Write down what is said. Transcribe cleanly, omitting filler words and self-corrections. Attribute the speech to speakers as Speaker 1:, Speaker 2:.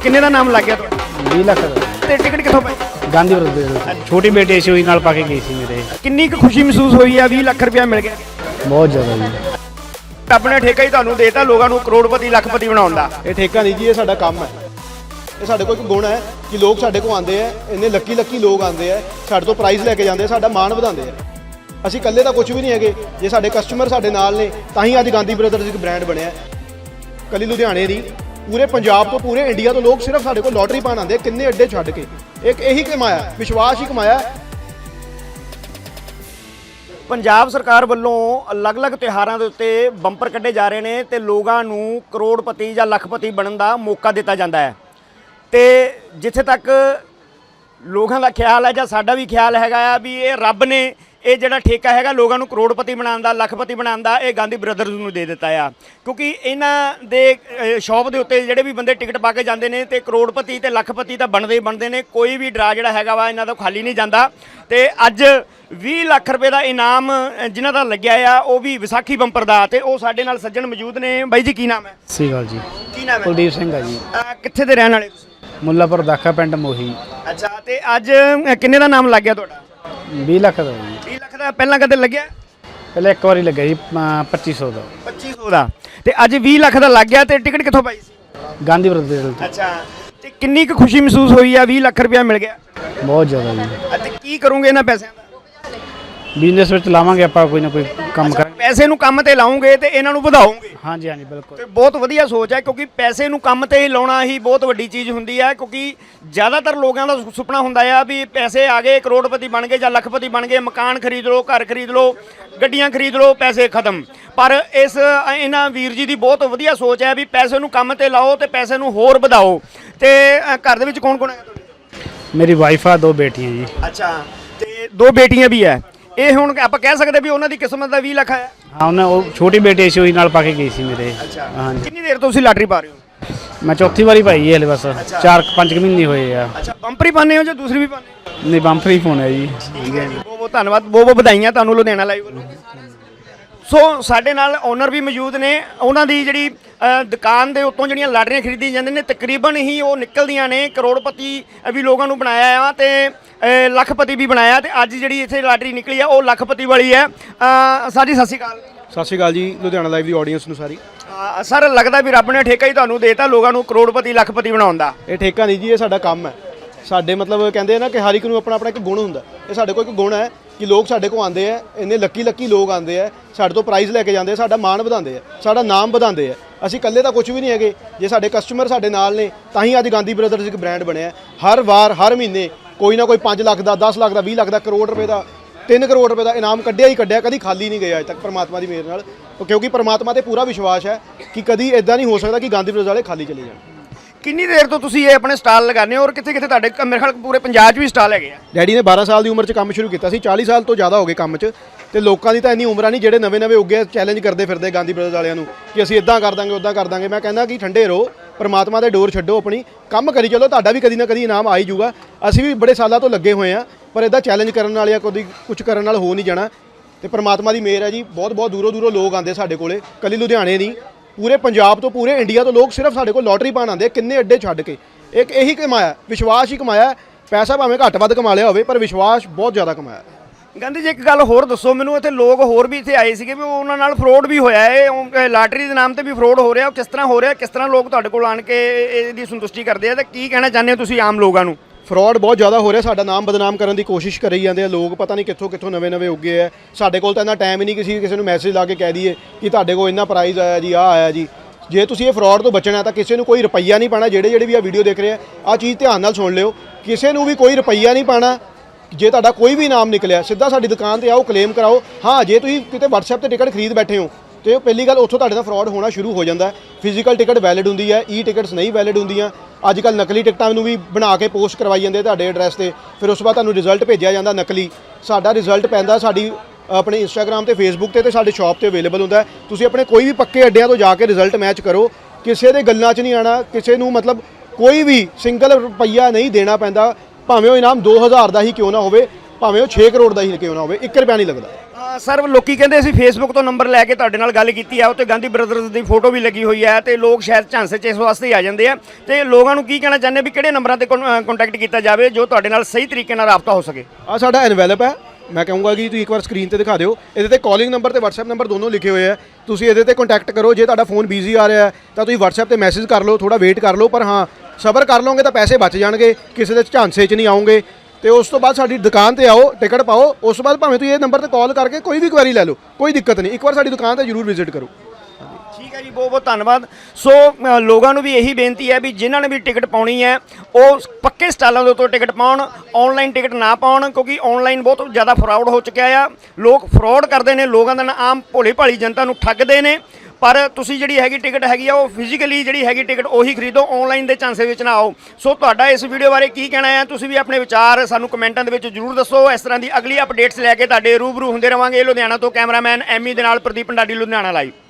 Speaker 1: किन्ने का नाम लग गया तो
Speaker 2: 20 ਲੱਖ
Speaker 1: ਤੇ ਟਿਕਟ ਕਿੱਥੋਂ ਪਾਈ
Speaker 2: ਗਾਂਧੀ ਬਰਦਰ ਛੋਟੀ ਬੇਟੀ ਸੀ ਉਹੀ ਨਾਲ ਪਾ ਕੇ ਗਈ ਸੀ ਮੇਰੇ।
Speaker 1: ਕਿੰਨੀ ਕੁ ਖੁਸ਼ੀ ਮਹਿਸੂਸ ਹੋਈ ਆ 20 ਲੱਖ ਰੁਪਇਆ ਮਿਲ ਗਿਆ?
Speaker 2: ਬਹੁਤ ਜ਼ਿਆਦਾ ਜੀ।
Speaker 1: ਆਪਣੇ ਠੇਕਾ ਹੀ ਤੁਹਾਨੂੰ ਦੇਤਾ ਲੋਕਾਂ ਨੂੰ ਕਰੋੜਪਤੀ ਲੱਖਪਤੀ ਬਣਾਉਣ ਦਾ।
Speaker 3: ਇਹ ਠੇਕਾ ਨਹੀਂ ਜੀ, ਇਹ ਸਾਡਾ ਕੰਮ ਹੈ। ਇਹ ਸਾਡੇ ਕੋਲ ਇੱਕ ਗੁਣ ਹੈ ਕਿ ਲੋਕ ਸਾਡੇ ਕੋਲ ਆਉਂਦੇ ਆ, ਇੰਨੇ ਲੱਕੀ ਲੋਕ ਆਉਂਦੇ ਆ, ਸਾਡੇ ਤੋਂ ਪ੍ਰਾਈਜ਼ ਲੈ ਕੇ ਜਾਂਦੇ, ਸਾਡਾ ਮਾਣ ਵਧਾਉਂਦੇ ਆ। ਅਸੀਂ ਇਕੱਲੇ ਤਾਂ ਕੁਝ ਵੀ ਨਹੀਂ ਹੈਗੇ, ਜੇ ਸਾਡੇ ਕਸਟਮਰ ਸਾਡੇ ਨਾਲ ਨੇ ਤਾਂ ਹੀ ਅੱਜ ਗਾਂਧੀ ਬ੍ਰਦਰਜ਼ ਇੱਕ ਬ੍ਰਾਂਡ ਬਣਿਆ। ਕੱਲੀ ਲੁਧਿਆਣੇ ਨਹੀਂ, ਪੂਰੇ ਪੰਜਾਬ ਤੋਂ ਪੂਰੇ ਇੰਡੀਆ ਤੋਂ ਲੋਕ ਸਿਰਫ ਸਾਡੇ ਕੋਲ ਲੋਟਰੀ ਪਾਉਣ ਆਉਂਦੇ, ਕਿੰਨੇ ਅੱਡੇ ਛੱਡ ਕੇ। ਇੱਕ ਇਹੀ ਕਮਾਇਆ, ਵਿਸ਼ਵਾਸ ਹੀ ਕਮਾਇਆ।
Speaker 1: ਪੰਜਾਬ ਸਰਕਾਰ ਵੱਲੋਂ ਅਲੱਗ-ਅਲੱਗ ਤਿਉਹਾਰਾਂ ਦੇ ਉੱਤੇ ਬੰਪਰ ਕੱਢੇ ਜਾ ਰਹੇ ਨੇ ਤੇ ਲੋਕਾਂ ਨੂੰ ਕਰੋੜਪਤੀ ਜਾਂ ਲੱਖਪਤੀ ਬਣਨ ਦਾ ਮੌਕਾ ਦਿੱਤਾ ਜਾਂਦਾ ਹੈ। ਤੇ ਜਿੱਥੇ ਤੱਕ ਲੋਕਾਂ ਦਾ ਖਿਆਲ ਹੈ ਜਾਂ ਸਾਡਾ ਵੀ ਖਿਆਲ ਹੈਗਾ ਆ ਵੀ ਇਹ ਰੱਬ ਨੇ ਇਹ ਜਿਹੜਾ ਠੇਕਾ ਹੈਗਾ ਲੋਕਾਂ ਨੂੰ ਕਰੋੜਪਤੀ ਬਣਾਉਣ ਦਾ, ਲੱਖਪਤੀ ਬਣਾਉਣ ਦਾ, ਇਹ ਗਾਂਧੀ ਬ੍ਰਦਰਜ਼ ਨੂੰ ਦੇ ਦਿੱਤਾ ਆ। ਕਿਉਂਕਿ ਇਹਨਾਂ ਦੇ ਸ਼ੌਪ ਦੇ ਉੱਤੇ ਜਿਹੜੇ ਵੀ ਬੰਦੇ ਟਿਕਟ ਪਾ ਕੇ ਜਾਂਦੇ ਨੇ ਤੇ ਕਰੋੜਪਤੀ ਤੇ ਲੱਖਪਤੀ ਤਾਂ ਬਣਦੇ ਹੀ ਬਣਦੇ ਨੇ। ਕੋਈ ਵੀ ਡਰਾ ਜਿਹੜਾ ਹੈਗਾ ਵਾ ਇਹਨਾਂ ਦਾ ਖਾਲੀ ਨਹੀਂ ਜਾਂਦਾ। ਤੇ ਅੱਜ 20 ਲੱਖ ਰੁਪਏ ਦਾ ਇਨਾਮ ਜਿਨ੍ਹਾਂ ਦਾ ਲੱਗਿਆ ਆ ਉਹ ਵੀ ਵਿਸਾਖੀ ਬੰਪਰ ਦਾ, ਤੇ ਉਹ ਸਾਡੇ ਨਾਲ ਸੱਜਣ ਮੌਜੂਦ ਨੇ। ਬਾਈ ਜੀ ਕੀ ਨਾਮ ਹੈ?
Speaker 2: ਸਹੀ ਗੱਲ ਜੀ।
Speaker 1: ਕੀ ਨਾਮ ਹੈ?
Speaker 2: ਕੁਲਦੀਪ ਸਿੰਘ ਆ ਜੀ।
Speaker 1: ਕਿੱਥੇ ਦੇ ਰਹਿਣ ਵਾਲੇ ਤੁਸੀਂ?
Speaker 2: ਮੁੱਲਾਪੁਰ ਦਾਖਾ ਪਿੰਡ ਮੋਹੀ।
Speaker 1: ਅੱਛਾ, ਤੇ ਅੱਜ ਕਿੰਨੇ ਦਾ ਨਾਮ ਲੱਗ ਗਿਆ ਤੁਹਾਡਾ?
Speaker 2: 20 ਲੱਖ ਦਾ ਜੀ।
Speaker 1: 20 ਲੱਖ ਦਾ ਪਹਿਲਾਂ ਕਦੇ ਲੱਗਿਆ?
Speaker 2: ਪਹਿਲਾਂ ਇੱਕ ਵਾਰੀ ਲੱਗਿਆ ਜੀ 2500 ਦਾ।
Speaker 1: 2500 ਦਾ, ਤੇ ਅੱਜ 20 ਲੱਖ ਦਾ ਲੱਗ ਗਿਆ। ਤੇ ਟਿਕਟ ਕਿੱਥੋਂ ਪਾਈ ਸੀ?
Speaker 2: ਗਾਂਧੀ ਬਰਦਰ।
Speaker 1: ਅੱਛਾ, ਤੇ ਕਿੰਨੀ ਕੁ ਖੁਸ਼ੀ ਮਹਿਸੂਸ ਹੋਈ ਆ 20 ਲੱਖ ਰੁਪਇਆ ਮਿਲ ਗਿਆ?
Speaker 2: ਬਹੁਤ ਜ਼ਿਆਦਾ ਜੀ।
Speaker 1: ਅਤੇ ਕੀ ਕਰੋਗੇ ਇਹਨਾਂ ਪੈਸਿਆਂ ਦਾ?
Speaker 2: ਬਿਜ਼ਨਸ ਵਿੱਚ ਲਾਵਾਂਗੇ ਆਪਾਂ, ਕੋਈ ਨਾ ਕੋਈ ਕੰਮ ਕਰਾਂਗੇ।
Speaker 1: ਪੈਸੇ ਨੂੰ ਕੰਮ ਤੇ ਲਾਉਂਗੇ ਤੇ ਇਹਨਾਂ ਨੂੰ ਵਧਾਓਗੇ।
Speaker 2: ਹਾਂਜੀ ਹਾਂਜੀ ਬਿਲਕੁਲ।
Speaker 1: ਤੇ ਬਹੁਤ ਵਧੀਆ ਸੋਚ ਹੈ, ਕਿਉਂਕਿ ਪੈਸੇ ਨੂੰ ਕੰਮ ਤੇ ਲਾਉਣਾ ਹੀ ਬਹੁਤ ਵੱਡੀ ਚੀਜ਼ ਹੁੰਦੀ ਹੈ। ਕਿਉਂਕਿ ਜ਼ਿਆਦਾਤਰ ਲੋਕਾਂ ਦਾ ਸੁਪਨਾ ਹੁੰਦਾ ਆ ਵੀ ਪੈਸੇ ਆ ਗਏ, ਕਰੋੜਪਤੀ ਬਣ ਗਏ ਜਾਂ ਲੱਖਪਤੀ ਬਣ ਗਏ, ਮਕਾਨ ਖਰੀਦ ਲਓ, ਘਰ ਖਰੀਦ ਲਓ, ਗੱਡੀਆਂ ਖਰੀਦ ਲਓ, ਪੈਸੇ ਖਤਮ। ਪਰ ਇਹਨਾਂ ਵੀਰ ਜੀ ਦੀ ਬਹੁਤ ਵਧੀਆ ਸੋਚ ਹੈ ਵੀ ਪੈਸੇ ਨੂੰ ਕੰਮ ਤੇ ਲਾਓ ਤੇ ਪੈਸੇ ਨੂੰ ਹੋਰ ਵਧਾਓ। ਤੇ ਘਰ ਦੇ ਵਿੱਚ ਕੌਣ ਕੌਣ ਹੈ ਤੁਹਾਡੇ?
Speaker 2: ਮੇਰੀ ਵਾਈਫ ਆ, 2 ਬੇਟੀਆਂ ਜੀ।
Speaker 1: ਅੱਛਾ, ਤੇ 2 ਬੇਟੀਆਂ ਵੀ ਹੈ। ਇਹ ਹੁਣ ਆਪਾਂ ਕਹਿ ਸਕਦੇ ਵੀ ਉਹਨਾਂ ਦੀ ਕਿਸਮਤ ਦਾ 20 ਲੱਖ ਆਇਆ?
Speaker 2: ਹਾਂ, ਉਹ ਛੋਟੀ ਬੇਟੀ ਸੀ ਉਹੀ ਨਾਲ ਪਾ ਕੇ ਗਈ ਸੀ ਮੇਰੇ।
Speaker 1: ਅੱਛਾ,
Speaker 2: ਹਾਂਜੀ।
Speaker 1: ਕਿੰਨੀ ਦੇਰ ਤੋਂ ਤੁਸੀਂ ਲਾਟਰੀ ਪਾ ਰਹੇ ਹੋ?
Speaker 2: ਮੈਂ ਚੌਥੀ ਵਾਰੀ ਪਾਈ ਹੈ ਹਲੇ, ਬਸ 4-5 ਮਹੀਨੇ ਹੋਏ ਆ।
Speaker 1: ਅੱਛਾ, ਬੰਪਰ ਹੀ ਪਾਉਂਦੇ ਹੋ ਜਾਂ ਦੂਸਰੀ ਵੀ ਪਾਉਂਦੇ ਹੋ?
Speaker 2: ਨਹੀਂ, ਬੰਪਰ ਹੀ ਪਾਉਣਾ ਜੀ।
Speaker 1: ਠੀਕ ਹੈ ਜੀ, ਬਹੁਤ ਬਹੁਤ ਧੰਨਵਾਦ, ਬਹੁਤ ਬਹੁਤ ਵਧਾਈਆਂ ਤੁਹਾਨੂੰ ਲੁਧਿਆਣਾ ਲਾਈਵ ਵੱਲੋਂ। ਸੋ ਸਾਡੇ ਨਾਲ ਓਨਰ ਵੀ ਮੌਜੂਦ ਨੇ। ਉਹਨਾਂ ਦੀ ਜਿਹੜੀ ਦੁਕਾਨ ਦੇ ਉੱਤੋਂ ਜਿਹੜੀਆਂ ਲਾਟਰੀਆਂ ਖਰੀਦੀਆਂ ਜਾਂਦੀਆਂ ਨੇ ਤਕਰੀਬਨ ਹੀ ਉਹ ਨਿਕਲਦੀਆਂ ਨੇ। ਕਰੋੜਪਤੀ ਵੀ ਲੋਕਾਂ ਨੂੰ ਬਣਾਇਆ ਆ ਤੇ ਲੱਖਪਤੀ ਵੀ ਬਣਾਇਆ, ਤੇ ਅੱਜ ਜਿਹੜੀ ਇੱਥੇ ਲਾਟਰੀ ਨਿਕਲੀ ਆ ਉਹ ਲੱਖਪਤੀ ਵਾਲੀ ਹੈ। ਸਰ ਜੀ ਸਤਿ ਸ਼੍ਰੀ ਅਕਾਲ।
Speaker 3: ਸਤਿ ਸ਼੍ਰੀ ਅਕਾਲ ਜੀ ਲੁਧਿਆਣਾ ਲਾਈਵ ਦੀ ਆਡੀਅנס ਨੂੰ ਸਾਰੀ।
Speaker 1: ਸਰ, ਲੱਗਦਾ ਵੀ ਰੱਬ ਨੇ ਠੇਕਾ ਹੀ ਤੁਹਾਨੂੰ ਦੇਤਾ ਲੋਕਾਂ ਨੂੰ ਕਰੋੜਪਤੀ ਲੱਖਪਤੀ ਬਣਾਉਣ ਦਾ।
Speaker 3: ਇਹ ਠੇਕਾ ਨਹੀਂ ਜੀ, ਇਹ ਸਾਡਾ ਕੰਮ ਹੈ। ਸਾਡੇ ਮਤਲਬ ਕਹਿੰਦੇ ਆ ਨਾ ਕਿ ਹਰ ਇੱਕ ਨੂੰ ਆਪਣਾ ਆਪਣਾ ਇੱਕ ਗੁਣ ਹੁੰਦਾ। ਇਹ ਸਾਡੇ ਕੋਲ ਇੱਕ ਗੁਣ ਹੈ ਕਿ ਲੋਕ ਸਾਡੇ ਕੋਲ ਆਉਂਦੇ ਆ, ਇੰਨੇ ਲੱਕੀ ਲੋਕ ਆਉਂਦੇ ਆ, ਸਾਡੇ ਤੋਂ ਪ੍ਰਾਈਜ਼ ਲੈ ਕੇ ਜਾਂਦੇ, ਸਾਡਾ ਮਾਣ ਵਧਾਉਂਦੇ ਆ, ਸਾਡਾ ਨਾਮ ਵਧਾਉਂਦੇ ਆ। ਅਸੀਂ ਇਕੱਲੇ ਤਾਂ ਕੁਝ ਵੀ ਨਹੀਂ ਹੈਗੇ, ਜੇ ਸਾਡੇ ਕਸਟਮਰ ਸਾਡੇ ਨਾਲ ਨੇ ਤਾਂ ਹੀ ਅੱਜ ਗਾਂਧੀ ਬ੍ਰਦਰਜ਼ ਇੱਕ ਬ੍ਰਾਂਡ ਬਣਿਆ। ਹਰ ਵਾਰ ਹਰ ਮਹੀਨੇ ਕੋਈ ਨਾ ਕੋਈ 5 ਲੱਖ ਦਾ, 10 ਲੱਖ ਦਾ, 20 ਲੱਖ ਦਾ, ਕਰੋੜ ਰੁਪਏ ਦਾ, 3 ਕਰੋੜ ਰੁਪਏ ਦਾ ਇਨਾਮ ਕੱਢਿਆ ਹੀ ਕੱਢਿਆ, ਕਦੀ ਖਾਲੀ ਨਹੀਂ ਗਿਆ ਅੱਜ ਤੱਕ ਪਰਮਾਤਮਾ ਦੀ ਮਿਹਰ ਨਾਲ। ਕਿਉਂਕਿ ਪਰਮਾਤਮਾ ਤੇ ਪੂਰਾ ਵਿਸ਼ਵਾਸ ਹੈ ਕਿ ਕਦੀ ਇਦਾਂ ਨਹੀਂ ਹੋ ਸਕਦਾ ਕਿ ਗਾਂਧੀ ਬ੍ਰਦਰਜ਼ ਵਾਲੇ ਖਾਲੀ ਚਲੇ ਜਾਣ।
Speaker 1: ਕਿੰਨੀ ਦੇਰ ਤੋਂ ਤੁਸੀਂ ਇਹ ਆਪਣੇ ਸਟਾਲ ਲਗਾਉਂਦੇ ਹੋ ਔਰ ਕਿੱਥੇ ਕਿੱਥੇ ਤੁਹਾਡੇ ਮੇਰੇ ਖਿਆਲ ਪੂਰੇ ਪੰਜਾਬ 'ਚ ਵੀ ਸਟਾਲ ਹੈਗੇ ਆ?
Speaker 3: ਡੈਡੀ ਨੇ 12 ਸਾਲ ਦੀ ਉਮਰ 'ਚ ਕੰਮ ਸ਼ੁਰੂ ਕੀਤਾ ਸੀ, 40 ਸਾਲ ਤੋਂ ਜ਼ਿਆਦਾ ਹੋ ਗਏ ਕੰਮ 'ਚ। ਤੇ ਲੋਕਾਂ ਦੀ ਤਾਂ ਇੰਨੀ ਉਮਰਾਂ ਨਹੀਂ, ਜਿਹੜੇ ਨਵੇਂ ਉੱਗੇ ਚੈਲੰਜ ਕਰਦੇ ਫਿਰਦੇ ਗਾਂਧੀ ਬ੍ਰਦਰਜ਼ ਵਾਲਿਆਂ ਨੂੰ ਕਿ ਅਸੀਂ ਇਦਾਂ ਕਰ ਦਾਂਗੇ, ਉੱਦਾਂ ਕਰ ਦਾਂਗੇ। ਮੈਂ ਕਹਿੰਦਾ ਕਿ ਠੰਡੇ ਰਹੋ, ਪਰਮਾਤਮਾ ਦੇ ਡੋਰ ਛੱਡੋ, ਆਪਣੀ ਕੰਮ ਕਰੀ ਚਲੋ, ਤੁਹਾਡਾ ਵੀ ਕਦੀ ਨਾ ਕਦੀ ਇਨਾਮ ਆ ਹੀ ਜਾਊਗਾ। ਅਸੀਂ ਵੀ ਬੜੇ ਸਾਲਾਂ ਤੋਂ ਲੱਗੇ ਹੋਏ ਆ, ਪਰ ਇਦਾਂ ਚੈਲੰਜ ਕਰਨ ਨਾਲ ਜਾਂ ਕਦੀ ਕੁਝ ਕਰਨ ਨਾਲ ਹੋ ਨਹੀਂ ਜਾਣਾ। ਤੇ ਪਰਮਾਤਮਾ ਦੀ ਮਿਹਰ ਹੈ ਜੀ, ਬਹੁਤ ਬਹੁਤ ਦੂਰੋਂ ਲੋਕ ਆਉਂਦੇ ਸਾਡੇ ਕੋਲੇ। ਕੱਲੀ ਲੁਧਿਆਣੇ ਨਹੀਂ, ਪੂਰੇ ਪੰਜਾਬ ਤੋਂ ਪੂਰੇ ਇੰਡੀਆ ਤੋਂ ਲੋਕ ਸਿਰਫ ਸਾਡੇ ਕੋਲ ਲੋਟਰੀ ਪਾਉਣ ਆਉਂਦੇ, ਕਿੰਨੇ ਅੱਡੇ ਛੱਡ ਕੇ। ਇੱਕ ਇਹੀ ਕਮਾਇਆ, ਵਿਸ਼ਵਾਸ ਹੀ ਕਮਾਇਆ। ਪੈਸਾ ਭਾਵੇਂ ਘੱਟ ਵੱਧ ਕਮਾ ਲਿਆ ਹੋਵੇ, ਪਰ ਵਿਸ਼ਵਾਸ ਬਹੁਤ ਜ਼ਿਆਦਾ ਕਮਾਇਆ।
Speaker 1: ਗਾਂਧੀ ਜੀ, ਇੱਕ ਗੱਲ ਹੋਰ ਦੱਸੋ ਮੈਨੂੰ, ਇੱਥੇ ਲੋਕ ਹੋਰ ਵੀ ਇੱਥੇ ਆਏ ਸੀਗੇ ਵੀ ਉਹਨਾਂ ਨਾਲ ਫਰੋਡ ਵੀ ਹੋਇਆ ਹੈ, ਲਾਟਰੀ ਦੇ ਨਾਮ ਤੇ ਵੀ ਫਰੋਡ ਹੋ ਰਿਹਾ, ਉਹ ਕਿਸ ਤਰ੍ਹਾਂ ਹੋ ਰਿਹਾ, ਕਿਸ ਤਰ੍ਹਾਂ ਲੋਕ ਤੁਹਾਡੇ ਕੋਲ ਆਣ ਕੇ ਇਹਦੀ ਸੰਤੁਸ਼ਟੀ ਕਰਦੇ ਆ, ਤੇ ਕੀ ਕਹਿਣਾ ਚਾਹੁੰਦੇ ਹੋ ਤੁਸੀਂ ਆਮ ਲੋਕਾਂ ਨੂੰ?
Speaker 3: ਫਰੋਡ ਬਹੁਤ ਜ਼ਿਆਦਾ ਹੋ ਰਿਹਾ, ਸਾਡਾ ਨਾਮ ਬਦਨਾਮ ਕਰਨ ਦੀ ਕੋਸ਼ਿਸ਼ ਕਰੀ ਜਾਂਦੇ ਆ ਲੋਕ, ਪਤਾ ਨਹੀਂ ਕਿੱਥੋਂ ਨਵੇਂ ਉੱਗੇ ਆ। ਸਾਡੇ ਕੋਲ ਤਾਂ ਇੰਨਾ ਟਾਈਮ ਹੀ ਨਹੀਂ ਕਿਸੇ ਨੂੰ ਮੈਸੇਜ ਲਾ ਕੇ ਕਹਿ ਦਈਏ ਕਿ ਤੁਹਾਡੇ ਕੋਲ ਇੰਨਾ ਪ੍ਰਾਈਜ਼ ਆਇਆ ਜੀ, ਆਹ ਆਇਆ ਜੀ। ਜੇ ਤੁਸੀਂ ਇਹ ਫਰੋਡ ਤੋਂ ਬਚਣਾ ਤਾਂ ਕਿਸੇ ਨੂੰ ਕੋਈ ਰੁਪਈਆ ਨਹੀਂ ਪਾਣਾ। ਜਿਹੜੇ ਵੀ ਆ ਵੀਡੀਓ ਦੇਖ ਰਹੇ ਆ, ਆਹ ਚੀਜ਼ ਧਿਆਨ ਨਾਲ ਸੁਣ ਲਿਓ, ਕਿਸੇ ਨੂੰ ਵੀ ਕੋਈ ਰੁਪਈਆ ਨਹੀਂ ਪਾਣਾ। ਜੇ ਤੁਹਾਡਾ ਕੋਈ ਵੀ ਨਾਮ ਨਿਕਲਿਆ, ਸਿੱਧਾ ਸਾਡੀ ਦੁਕਾਨ ਤੇ ਆਓ, ਕਲੇਮ ਕਰਾਓ। ਹਾਂ, ਜੇ ਤੁਸੀਂ ਕਿਤੇ WhatsApp ਤੇ ਟਿਕਟ ਖਰੀਦ ਬੈਠੇ ਹੋ ਤੇ ਪਹਿਲੀ ਗੱਲ ਉੱਥੋਂ ਤੁਹਾਡੇ ਨਾਲ ਫਰੋਡ ਹੋਣਾ ਸ਼ੁਰੂ ਹੋ ਜਾਂਦਾ। ਫਿਜ਼ੀਕਲ ਟਿਕਟ ਵੈਲਿਡ ਹੁੰਦੀ ਹੈ, ਟਿਕਟਸ ਨਹੀਂ ਵੈਲਿਡ ਹੁੰਦੀਆਂ। ਅੱਜ ਕੱਲ੍ਹ ਨਕਲੀ ਟਿਕਟਾਂ ਨੂੰ ਵੀ ਬਣਾ ਕੇ ਪੋਸਟ ਕਰਵਾਈ ਜਾਂਦੇ ਤੁਹਾਡੇ ਐਡਰੈਸ ਤੇ, ਫਿਰ ਉਸ ਤੋਂ ਬਾਅਦ ਤੁਹਾਨੂੰ ਰਿਜ਼ਲਟ ਭੇਜਿਆ ਜਾਂਦਾ ਨਕਲੀ। ਸਾਡਾ ਰਿਜ਼ਲਟ ਪੈਂਦਾ ਸਾਡੀ ਆਪਣੇ ਇੰਸਟਾਗ੍ਰਾਮ ਤੇ ਫੇਸਬੁੱਕ ਤੇ ਸਾਡੇ ਸ਼ਾਪ ਤੇ ਅਵੇਲੇਬਲ ਹੁੰਦਾ। ਤੁਸੀਂ ਆਪਣੇ ਕੋਈ ਵੀ ਪੱਕੇ ਅੱਡਿਆਂ ਤੋਂ ਜਾ ਕੇ ਰਿਜ਼ਲਟ ਮੈਚ ਕਰੋ, ਕਿਸੇ ਦੇ ਗੱਲਾਂ 'ਚ ਨਹੀਂ ਆਣਾ। ਕਿਸੇ ਨੂੰ ਮਤਲਬ ਕੋਈ ਵੀ ਸਿੰਗਲ ਰੁਪਈਆ ਨਹੀਂ ਦੇਣਾ ਪੈਂਦਾ, ਭਾਵੇਂ ਉਹ ਇਨਾਮ 2000 ਦਾ ਹੀ ਕਿਉਂ ਨਾ ਹੋਵੇ, ਭਾਵੇਂ ਉਹ 6 ਕਰੋੜ ਦਾ ਹੀ ਕਿਉਂ ਨਾ ਹੋਵੇ, 1 ਰੁਪਿਆ ਨਹੀਂ ਲੱਗਦਾ।
Speaker 1: ਸਰ ਲੋਕੀ ਕਹਿੰਦੇ ਅਸੀਂ ਫੇਸਬੁੱਕ ਤੋਂ ਨੰਬਰ ਲੈ ਕੇ ਤੁਹਾਡੇ ਨਾਲ ਗੱਲ ਕੀਤੀ ਆ, ਉੱਤੇ ਗਾਂਧੀ ਬ੍ਰਦਰਜ਼ ਦੀ ਫੋਟੋ ਵੀ ਲੱਗੀ ਹੋਈ ਹੈ ਤੇ ਲੋਕ ਸ਼ਾਇਦ ਝਾਂਸੇ 'ਚ ਇਸ ਵਾਸਤੇ ਹੀ ਆ ਜਾਂਦੇ ਆ। ਤੇ ਲੋਕਾਂ ਨੂੰ ਕੀ ਕਹਿਣਾ ਚਾਹੁੰਦੇ ਵੀ ਕਿਹੜੇ ਨੰਬਰਾਂ ਤੇ ਕੰਟੈਕਟ ਕੀਤਾ ਜਾਵੇ ਜੋ ਤੁਹਾਡੇ ਨਾਲ ਸਹੀ ਤਰੀਕੇ ਨਾਲ ਰਾਬਤਾ ਹੋ ਸਕੇ?
Speaker 3: ਆ ਸਾਡਾ ਐਨਵੈਲਪ ਹੈ, ਮੈਂ ਕਹੂੰਗਾ ਕਿ ਤੁਸੀਂ ਇੱਕ ਵਾਰ ਸਕਰੀਨ ਤੇ ਦਿਖਾ ਦਿਓ। ਇਹਦੇ ਤੇ ਕਾਲਿੰਗ ਨੰਬਰ ਤੇ WhatsApp ਨੰਬਰ ਦੋਨੋਂ ਲਿਖੇ ਹੋਏ ਆ, ਤੁਸੀਂ ਇਹਦੇ ਤੇ ਕੰਟੈਕਟ ਕਰੋ। ਜੇ ਤੁਹਾਡਾ ਫੋਨ ਬਿਜ਼ੀ ਆ ਰਿਹਾ ਤਾਂ ਤੁਸੀਂ WhatsApp ਤੇ ਮੈਸੇਜ ਕਰ ਲਓ, ਥੋੜਾ ਵੇਟ ਕਰ ਲਓ, ਪਰ ਹਾਂ ਸਬਰ ਕਰ ਲਓਗੇ ਤਾਂ ਪੈਸੇ ਬਚ ਜਾਣਗੇ, ਕਿਸੇ ਦੇ ਝਾਂਸੇ 'ਚ ਨਹੀਂ ਆਉਂਗੇ। ਤੇ ਉਸ ਤੋਂ ਬਾਅਦ ਸਾਡੀ ਦੁਕਾਨ ਤੇ ਆਓ, ਟਿਕਟ ਪਾਓ। ਉਸ ਤੋਂ ਬਾਅਦ ਭਾਵੇਂ ਤੁਸੀਂ ਇਹ ਨੰਬਰ ਤੇ ਕਾਲ ਕਰਕੇ ਕੋਈ ਵੀ ਕੁਐਰੀ ਲੈ ਲਓ, ਕੋਈ ਦਿੱਕਤ ਨਹੀਂ। ਇੱਕ ਵਾਰ ਸਾਡੀ ਦੁਕਾਨ ਤੇ ਜ਼ਰੂਰ ਵਿਜ਼ਿਟ ਕਰੋ।
Speaker 1: ਠੀਕ ਹੈ ਜੀ, ਬਹੁਤ ਬਹੁਤ ਧੰਨਵਾਦ। ਸੋ ਲੋਕਾਂ ਨੂੰ ਵੀ ਇਹੀ ਬੇਨਤੀ ਹੈ ਵੀ ਜਿਨ੍ਹਾਂ ਨੇ ਵੀ ਟਿਕਟ ਪਾਉਣੀ ਹੈ ਉਹ ਪੱਕੇ ਸਟਾਲਾਂ ਦੇ ਉੱਤੇ ਟਿਕਟ ਪਾਉਣ, ਆਨਲਾਈਨ ਟਿਕਟ ਨਾ ਪਾਉਣ, ਕਿਉਂਕਿ ਆਨਲਾਈਨ ਬਹੁਤ ਜ਼ਿਆਦਾ ਫਰਾਡ ਹੋ ਚੁੱਕਿਆ ਆ। ਲੋਕ ਫਰਾਡ ਕਰਦੇ ਨੇ, ਲੋਕਾਂ ਦਾ ਆਮ ਭੋਲੀ ਭਾਲੀ ਜਨਤਾ ਨੂੰ ਠੱਗਦੇ ਨੇ। ਪਰ ਤੁਸੀਂ ਜਿਹੜੀ ਹੈਗੀ ਟਿਕਟ ਹੈਗੀ ਆ ਉਹ ਫਿਜ਼ੀਕਲੀ ਜਿਹੜੀ ਹੈਗੀ ਟਿਕਟ ਉਹੀ ਖਰੀਦੋ, ਆਨਲਾਈਨ ਦੇ ਝਾਂਸੇ ਵਿੱਚ ਨਾ ਆਓ। ਸੋ ਤੁਹਾਡਾ ਇਸ ਵੀਡੀਓ ਬਾਰੇ ਕੀ ਕਹਿਣਾ ਹੈ? ਤੁਸੀਂ ਵੀ ਆਪਣੇ ਵਿਚਾਰ ਸਾਨੂੰ ਕਮੈਂਟਾਂ ਦੇ ਵਿੱਚ ਜ਼ਰੂਰ ਦੱਸੋ। ਇਸ ਤਰ੍ਹਾਂ ਦੀ ਅਗਲੀ ਅਪਡੇਟਸ ਲੈ ਕੇ ਤੁਹਾਡੇ ਰੂਬਰੂ ਹੁੰਦੇ ਰਵਾਂਗੇ। ਲੁਧਿਆਣਾ ਤੋਂ ਕੈਮਰਾਮੈਨ ਐਮੀ ਦੇ ਨਾਲ ਪ੍ਰਦੀਪ ਪੰਡਾਰੀ, ਲੁਧਿਆਣਾ ਲਾਈਵ।